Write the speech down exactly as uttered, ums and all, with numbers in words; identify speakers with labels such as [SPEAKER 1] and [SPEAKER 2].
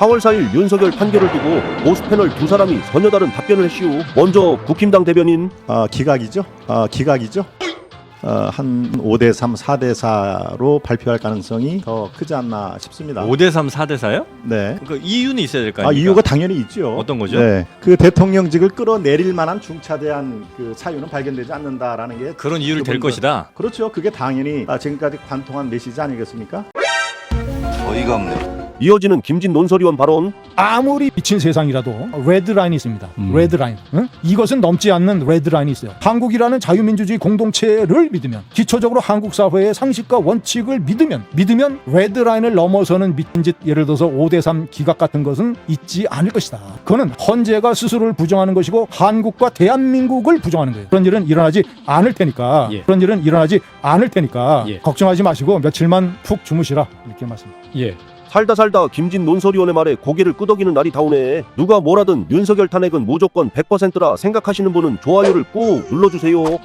[SPEAKER 1] 사월 사일 윤석열 판결을 두고 보수 패널 두 사람이 전혀 다른 답변을 했시오. 먼저 국힘당 대변인.
[SPEAKER 2] 어, 기각이죠. 어, 기각이죠. 어, 한 오 대 삼, 사 대 사로 발표할 가능성이 더 크지 않나 싶습니다.
[SPEAKER 3] 오 대 삼, 사 대 사요?
[SPEAKER 2] 네.
[SPEAKER 3] 그러니까 이유는 있어야 될 거
[SPEAKER 2] 아,
[SPEAKER 3] 아닙니까?
[SPEAKER 2] 이유가 당연히 있죠.
[SPEAKER 3] 어떤 거죠?
[SPEAKER 2] 네. 그 대통령직을 끌어내릴 만한 중차대한 그 사유는 발견되지 않는다라는 게
[SPEAKER 3] 그런 이유를 댈
[SPEAKER 2] 그분들.
[SPEAKER 3] 것이다.
[SPEAKER 2] 그렇죠. 그게 당연히 아, 지금까지 관통한 메시지 아니겠습니까?
[SPEAKER 4] 어이가 없네.
[SPEAKER 1] 이어지는 김진 논설위원 발언.
[SPEAKER 5] 아무리 미친 세상이라도 레드라인이 있습니다.
[SPEAKER 3] 음.
[SPEAKER 5] 레드라인. 응? 이것은 넘지 않는 레드라인이 있어요. 한국이라는 자유민주주의 공동체를 믿으면, 기초적으로 한국 사회의 상식과 원칙을 믿으면 믿으면 레드라인을 넘어서는 미친 짓, 예를 들어서 오 대 삼 기각 같은 것은 있지 않을 것이다. 그거는 헌재가 스스로를 부정하는 것이고 한국과 대한민국을 부정하는 거예요. 그런 일은 일어나지 않을 테니까
[SPEAKER 3] 예.
[SPEAKER 5] 그런 일은 일어나지 않을 테니까
[SPEAKER 3] 예.
[SPEAKER 5] 걱정하지 마시고 며칠만 푹 주무시라, 이렇게 말씀드립니다.
[SPEAKER 3] 예.
[SPEAKER 1] 살다 살다 김진 논설위원의 말에 고개를 끄덕이는 날이 다오네. 누가 뭐라든 윤석열 탄핵은 무조건 백 퍼센트라 생각하시는 분은 좋아요를 꾹 눌러주세요.